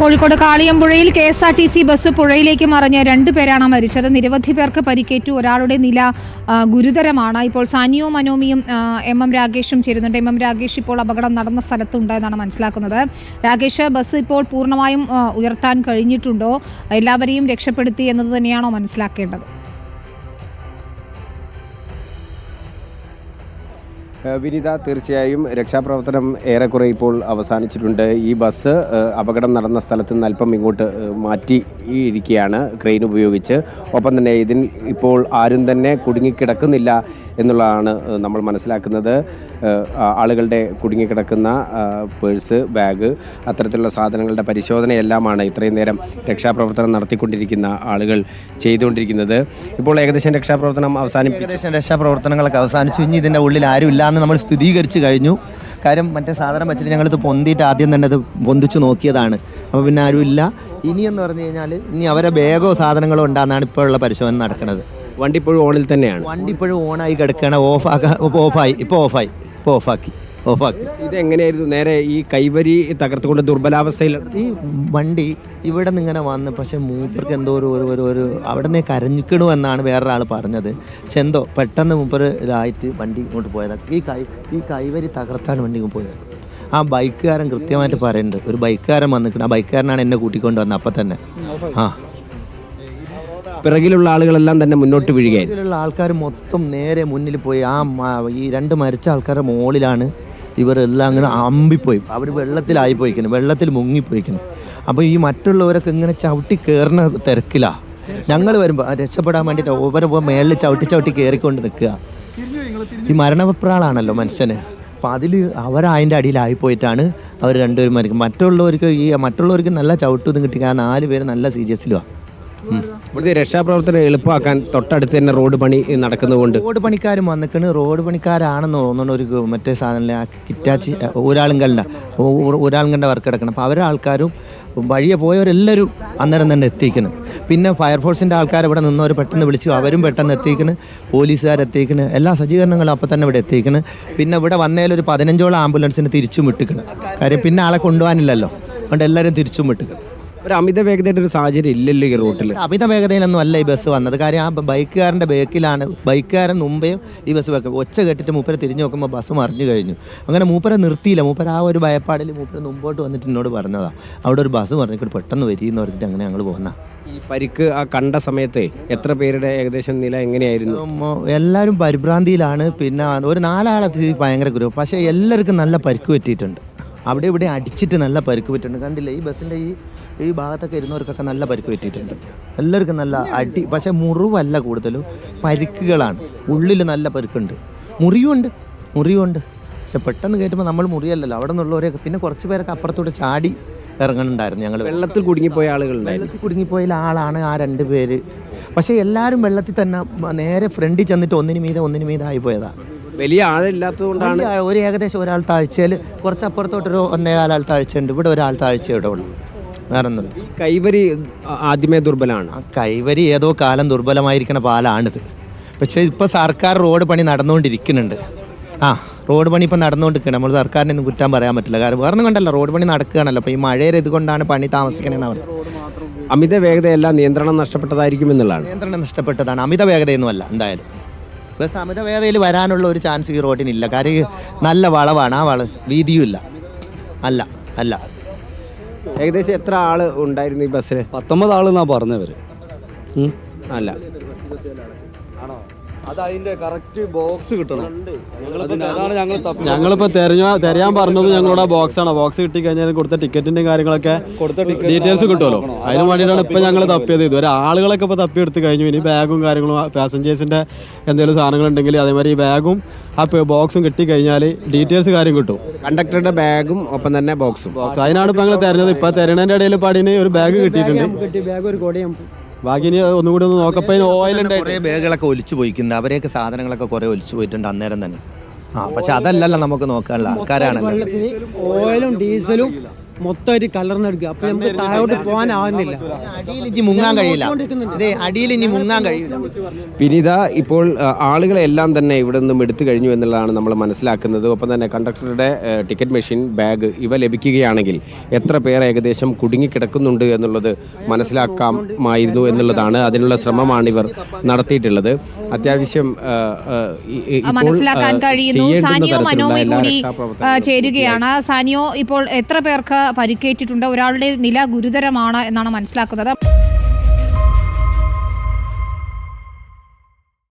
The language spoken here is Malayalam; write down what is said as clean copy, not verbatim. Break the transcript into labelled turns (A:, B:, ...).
A: കോഴിക്കോട് കാളിയമ്പുഴയിൽ KSRTC ബസ് പുഴയിലേക്ക് മറിഞ്ഞ് 2 പേരാണ് മരിച്ചത്. നിരവധി പേർക്ക് പരിക്കേറ്റു. ഒരാളുടെ നില ഗുരുതരമാണ്. ഇപ്പോൾ സാനിയോ മനോമിയും MM രാഗേഷും ചേരുന്നുണ്ട്. MM രാഗേഷ് ഇപ്പോൾ അപകടം നടന്ന സ്ഥലത്തുണ്ട് എന്നാണ് മനസ്സിലാക്കുന്നത്. രാഗേഷ്, ബസ് ഇപ്പോൾ പൂർണ്ണമായും ഉയർത്താൻ കഴിഞ്ഞിട്ടുണ്ടോ? എല്ലാവരെയും രക്ഷപ്പെടുത്തി എന്നത് തന്നെയാണോ മനസ്സിലാക്കേണ്ടത്?
B: വിനീത, തീർച്ചയായും രക്ഷാപ്രവർത്തനം ഏറെക്കുറെ ഇപ്പോൾ അവസാനിച്ചിട്ടുണ്ട്. ഈ ബസ് അപകടം നടന്ന സ്ഥലത്ത് നിന്ന് അല്പം ഇങ്ങോട്ട് മാറ്റിയിരിക്കുകയാണ് ക്രെയിൻ ഉപയോഗിച്ച്. ഒപ്പം തന്നെ ഇതിൽ ഇപ്പോൾ ആരും തന്നെ കുടുങ്ങിക്കിടക്കുന്നില്ല എന്നുള്ളതാണ് നമ്മൾ മനസ്സിലാക്കുന്നത്. ആളുകളുടെ കുടുങ്ങിക്കിടക്കുന്ന പേഴ്സ്, ബാഗ്, അത്തരത്തിലുള്ള സാധനങ്ങളുടെ പരിശോധനയെല്ലാമാണ് ഇത്രയും നേരം രക്ഷാപ്രവർത്തനം നടത്തിക്കൊണ്ടിരിക്കുന്ന ആളുകൾ ചെയ്തുകൊണ്ടിരിക്കുന്നത്. ഇപ്പോൾ ഏകദേശം
C: രക്ഷാപ്രവർത്തനങ്ങളൊക്കെ അവസാനിച്ചു. ഇനി ഇതിൻ്റെ ഉള്ളിൽ ആരും ഇല്ല നമ്മൾ സ്ഥിരീകരിച്ച് കഴിഞ്ഞു. കാര്യം മറ്റേ സാധനം വെച്ചിട്ട് ഞങ്ങളിത് പൊന്തിയിട്ട് ആദ്യം തന്നെ അത് പൊന്തിച്ച് നോക്കിയതാണ്. അപ്പോൾ പിന്നെ ആരും ഇല്ല. ഇനിയെന്ന് പറഞ്ഞു കഴിഞ്ഞാൽ ഇനി അവരെ ബാഗോ സാധനങ്ങളോ ഉണ്ടാകുന്നതാണ് ഇപ്പോഴുള്ള പരിശോധന നടക്കുന്നത്.
B: വണ്ടി ഇപ്പോഴും ഓണിൽ തന്നെയാണ്.
C: വണ്ടി ഇപ്പോഴും ഓണായി കിടക്കുകയാണ്. ഓഫാക്കി.
B: ഇതെങ്ങനെയായിരുന്നു? നേരെ ഈ കൈവരി തകർത്തുകൊണ്ട് ദുർബലാവസ്ഥയിൽ
C: ഈ വണ്ടി ഇവിടെ നിന്ന് ഇങ്ങനെ വന്ന്, പക്ഷെ മൂപ്പർക്ക് എന്തോ ഒരു അവിടെ നിന്ന് കരഞ്ഞിക്കണു എന്നാണ് വേറൊരാൾ പറഞ്ഞത്. പക്ഷെ എന്തോ പെട്ടെന്ന് മൂപ്പർ ഇതായിട്ട് വണ്ടി ഇങ്ങോട്ട് പോയതാണ്. ഈ കൈവരി തകർത്താണ് വണ്ടി പോയത്. ആ ബൈക്കുകാരൻ കൃത്യമായിട്ട് പറയുന്നുണ്ട്. ഒരു ബൈക്കുകാരൻ വന്നിട്ടുണ്ട്. ആ ബൈക്കുകാരനാണ് എന്നെ കൂട്ടിക്കൊണ്ട് വന്നത്. അപ്പം തന്നെ
B: പിറകിലുള്ള ആളുകളെല്ലാം തന്നെ മുന്നോട്ട് വീഴുകയായിരുന്നു.
C: പിറകിലുള്ള ആൾക്കാർ മൊത്തം നേരെ മുന്നിൽ പോയി. ഈ 2 മരിച്ച ആൾക്കാരുടെ മുകളിലാണ് ഇവരെല്ലാം അങ്ങനെ അമ്പിപ്പോയി. അവർ വെള്ളത്തിലായിപ്പോയിക്കണം, വെള്ളത്തിൽ മുങ്ങിപ്പോയിക്കണം. അപ്പോൾ ഈ മറ്റുള്ളവരൊക്കെ ഇങ്ങനെ ചവിട്ടി കയറുന്ന തിരക്കിലാണ്. ഞങ്ങൾ വരുമ്പോൾ രക്ഷപ്പെടാൻ വേണ്ടിയിട്ട് ഓവരെ മേളിൽ ചവിട്ടി കയറിക്കൊണ്ട് നിൽക്കുക. ഈ മരണപ്രാളാണല്ലോ മനുഷ്യന്. അപ്പം അതിൽ അവരതിൻ്റെ അടിയിലായിപ്പോയിട്ടാണ് അവർ 2 പേരും മരിക്കും. മറ്റുള്ളവർക്ക് നല്ല ചവിട്ടൊന്നും കിട്ടി. 4 പേര് നല്ല സീരിയസിലുമാണ്.
B: ഇവിടുത്തെ രക്ഷാപ്രവർത്തനം എളുപ്പമാക്കാൻ തൊട്ടടുത്ത് തന്നെ റോഡ് പണി നടക്കുന്നതുകൊണ്ട്
C: റോഡ് പണിക്കാരും വന്നിക്കണ്. റോഡ് പണിക്കാരാണെന്ന് തോന്നുന്നു. ഒരു മറ്റേ സാധനം കിറ്റാച്ചി ഒരാളുങ്കണ്ട വർക്ക് കിടക്കണം. അപ്പോൾ അവരെ ആൾക്കാരും വഴിയെ പോയവരെല്ലാവരും അന്നേരം തന്നെ എത്തിക്കണം. പിന്നെ ഫയർഫോഴ്സിൻ്റെ ആൾക്കാർ ഇവിടെ നിന്നവർ പെട്ടെന്ന് വിളിച്ചു. അവരും പെട്ടെന്ന് എത്തിക്കണം. പോലീസുകാരെത്തിക്കണം. എല്ലാ സജ്ജീകരണങ്ങളും അപ്പം തന്നെ ഇവിടെ എത്തിക്കണം. പിന്നെ ഇവിടെ വന്നതിലൊരു 15ഓളം ആംബുലൻസിന് തിരിച്ചും വിട്ടിക്കണം. കാര്യം പിന്നെ ആളെ കൊണ്ടുപോകാനില്ലല്ലോ. അതുകൊണ്ട് എല്ലാവരും തിരിച്ചും വിട്ടിക്കണം.
B: ഒരു അമിത വേഗതയുടെ ഒരു സാഹചര്യം ഇല്ലല്ലോ ഈ റൂട്ടിൽ.
C: അമിത വേഗതയിലൊന്നും അല്ല ഈ ബസ് വന്നത്. കാര്യം ആ ബൈക്കുകാരൻ്റെ ബേക്കിലാണ്. ബൈക്കുകാരൻ മുമ്പേ ഈ ബസ് വെക്കും. ഒച്ച കെട്ടിട്ട് മൂപ്പരെ തിരിഞ്ഞു നോക്കുമ്പോൾ ബസ് മറിഞ്ഞു കഴിഞ്ഞു. അങ്ങനെ മൂപ്പരെ നിർത്തിയില്ല. മൂപ്പര ആ ഒരു ഭയപ്പാടിൽ മൂപ്പര് മുമ്പോട്ട് വന്നിട്ട് എന്നോട് പറഞ്ഞതാണ്, അവിടെ ഒരു ബസ് പറഞ്ഞിട്ട് പെട്ടെന്ന് വരിയെന്ന് പറഞ്ഞിട്ട് അങ്ങനെ ഞങ്ങൾ പോകുന്ന.
B: ഈ പരിക്ക് ആ കണ്ട സമയത്ത് എത്ര പേരുടെ ഏകദേശം നില എങ്ങനെയായിരുന്നു?
C: എല്ലാവരും പരിഭ്രാന്തിയിലാണ്. പിന്നെ ഒരു 4 ആളെത്തി ഭയങ്കര ഗ്രൂപ്പ്. പക്ഷേ എല്ലാവർക്കും നല്ല പരിക്ക് പറ്റിയിട്ടുണ്ട്. അവിടെ ഇവിടെ അടിച്ചിട്ട് നല്ല പരിക്ക് പറ്റിയിട്ടുണ്ട്. കണ്ടില്ല, ഈ ബസ്സിൻ്റെ ഈ ഭാഗത്തൊക്കെ ഇരുന്നവർക്കൊക്കെ നല്ല പരിക്ക് പറ്റിയിട്ടുണ്ട്. എല്ലാവർക്കും നല്ല അടി. പക്ഷേ മുറിവല്ല, കൂടുതലും പരിക്കുകളാണ്. ഉള്ളിൽ നല്ല പരിക്കുണ്ട്, മുറിവുണ്ട്. പക്ഷെ പെട്ടെന്ന് കയറ്റുമ്പോൾ നമ്മൾ മുറിയല്ലല്ലോ. അവിടെ നിന്നുള്ളവരെയൊക്കെ പിന്നെ കുറച്ച് പേരൊക്കെ അപ്പുറത്തോട്ട് ചാടി ഇറങ്ങുന്നുണ്ടായിരുന്നു. ഞങ്ങൾ
B: വെള്ളത്തിൽ കുടുങ്ങിപ്പോയ ആളുകളുണ്ടായിരുന്നു.
C: വെള്ളത്തിൽ കുടുങ്ങിപ്പോയ ആളാണ് ആ 2 പേര്. പക്ഷേ എല്ലാവരും വെള്ളത്തിൽ തന്നെ നേരെ ഫ്രണ്ടിൽ ചെന്നിട്ട് ഒന്നിനു മീതെ ആയിപ്പോയതാണ്.
B: വലിയ ആളില്ലാത്തതുകൊണ്ടാണ്.
C: ഒരു ഏകദേശം ഒരാൾ താഴ്ചയിൽ, കുറച്ച് അപ്പുറത്തോട്ടൊരു 1.25 ആൾ താഴ്ചയുണ്ട്. ഇവിടെ ഒരാൾ താഴ്ച ഇവിടെ ഉള്ളു. വേറെ ഒന്നും.
B: ഈ കൈവരി ആദ്യമേ ദുർബലമാണ്.
C: കൈവരി ഏതോ കാലം ദുർബലമായിരിക്കുന്ന പാലാണിത്. പക്ഷേ ഇപ്പോൾ സർക്കാർ റോഡ് പണി നടന്നുകൊണ്ടിരിക്കുന്നുണ്ട്. റോഡ് പണി ഇപ്പോൾ നടന്നുകൊണ്ടിരിക്കണം. നമ്മൾ സർക്കാരിനെ ഒന്നും കുറ്റാൻ പറയാൻ പറ്റില്ല. കാരണം വേറൊന്നും കണ്ടല്ലോ, റോഡ് പണി നടക്കുകയാണല്ലോ. അപ്പോൾ ഈ മഴയുടെ ഇതുകൊണ്ടാണ് പണി താമസിക്കണമെന്ന് പറയുന്നത്.
B: അമിത വേഗതയല്ല, നിയന്ത്രണം നഷ്ടപ്പെട്ടതായിരിക്കും എന്നുള്ളതാണ്.
C: നിയന്ത്രണം നഷ്ടപ്പെട്ടതാണ്, അമിത വേഗതയൊന്നുമല്ല. എന്തായാലും ബസ് അമിത വേഗതയിൽ വരാനുള്ള ഒരു ചാൻസ് ഈ റോഡിനില്ല. കാര്യം നല്ല വളവാണ്. ആ വീതിയും ഇല്ല. അല്ല
B: ഏകദേശം എത്ര ആള് ഉണ്ടായിരുന്നു ഈ ബസ്സിൽ?
D: 19 ആളെന്നാ പറഞ്ഞവർ.
B: അല്ല,
D: അതതിന്റെ കറക്റ്റ് ബോക്സ് കിട്ടണം. അതാണ് ഞങ്ങളിപ്പോൾ തിരയാൻ പറഞ്ഞത്. ഞങ്ങളുടെ ബോക്സാണ്. ബോക്സ് കിട്ടിക്കഴിഞ്ഞാൽ കൊടുത്ത ടിക്കറ്റിന്റെ കാര്യങ്ങളൊക്കെ ഡീറ്റെയിൽസ് കിട്ടുമല്ലോ. അതിന് വേണ്ടിയിട്ടാണ് ഇപ്പം ഞങ്ങൾ തപ്പിയത്. ഇതുവരെ ആളുകളൊക്കെ ഇപ്പോൾ തപ്പിയെടുത്ത് കഴിഞ്ഞു. ഇനി ബാഗും കാര്യങ്ങളും പാസഞ്ചേഴ്സിന്റെ എന്തെങ്കിലും സാധനങ്ങളുണ്ടെങ്കിൽ അതേമാതിരി ഈ ബാഗും ആ ബോക്സും കിട്ടിക്കഴിഞ്ഞാൽ ഡീറ്റെയിൽസ് കാര്യം കിട്ടും.
B: കണ്ടക്ടറുടെ ബാഗും ഒപ്പം തന്നെ ബോക്സും.
D: അതിനാണ് ഇപ്പം ഞങ്ങൾ തരുന്നത്. ഇപ്പം തരണേൻ്റെ ഇടയിൽ പാടിന് ഒരു ബാഗ് കിട്ടിയിട്ടുണ്ട്. ബാക്കി ഇനി ഒന്നുകൂടി ഒന്ന് നോക്കപ്പോ ഓയിലുണ്ട്.
C: കുറേ ബാഗുകളൊക്കെ ഒലിച്ചു പോയിട്ടുണ്ട്. അവരെയൊക്കെ സാധനങ്ങളൊക്കെ കുറേ ഒലിച്ചു പോയിട്ടുണ്ട് അന്നേരം തന്നെ. പക്ഷെ അതല്ലല്ലോ നമുക്ക് നോക്കാനുള്ള ആൾക്കാരാണ്.
E: ഓയിലും ഡീസലും മൊത്തമായിട്ട് കലർന്നെടുക്കുക. അപ്പൊ നമുക്ക് താഴോട്ട് പോകാനാവുന്നില്ല.
C: അടിയിൽ ഇനി മുങ്ങാൻ കഴിയില്ല. അതെ, അടിയിൽ ഇനി മുങ്ങാൻ കഴിയില്ല.
B: വിനീത, ഇപ്പോൾ ആളുകളെല്ലാം തന്നെ ഇവിടെ നിന്നും എടുത്തു കഴിഞ്ഞു എന്നുള്ളതാണ് നമ്മൾ മനസ്സിലാക്കുന്നത്. ഒപ്പം തന്നെ കണ്ടക്ടറുടെ ടിക്കറ്റ് മെഷീൻ, ബാഗ് ഇവ ലഭിക്കുകയാണെങ്കിൽ എത്ര പേർ ഏകദേശം കുടുങ്ങിക്കിടക്കുന്നുണ്ട് എന്നുള്ളത് മനസ്സിലാക്കാമായിരുന്നു എന്നുള്ളതാണ്. അതിനുള്ള ശ്രമമാണ് ഇവർ നടത്തിയിട്ടുള്ളത്. അത്യാവശ്യം
A: മനസ്സിലാക്കാൻ കഴിയുന്നു. സാനിയോ മനോമി കൂടി ചേരുകയാണ്. സാനിയോ, ഇപ്പോൾ എത്ര പേർക്ക് പരിക്കേറ്റിട്ടുണ്ട്? ഒരാളുടെ നില ഗുരുതരമാണ് എന്നാണ് മനസ്സിലാക്കുന്നത്.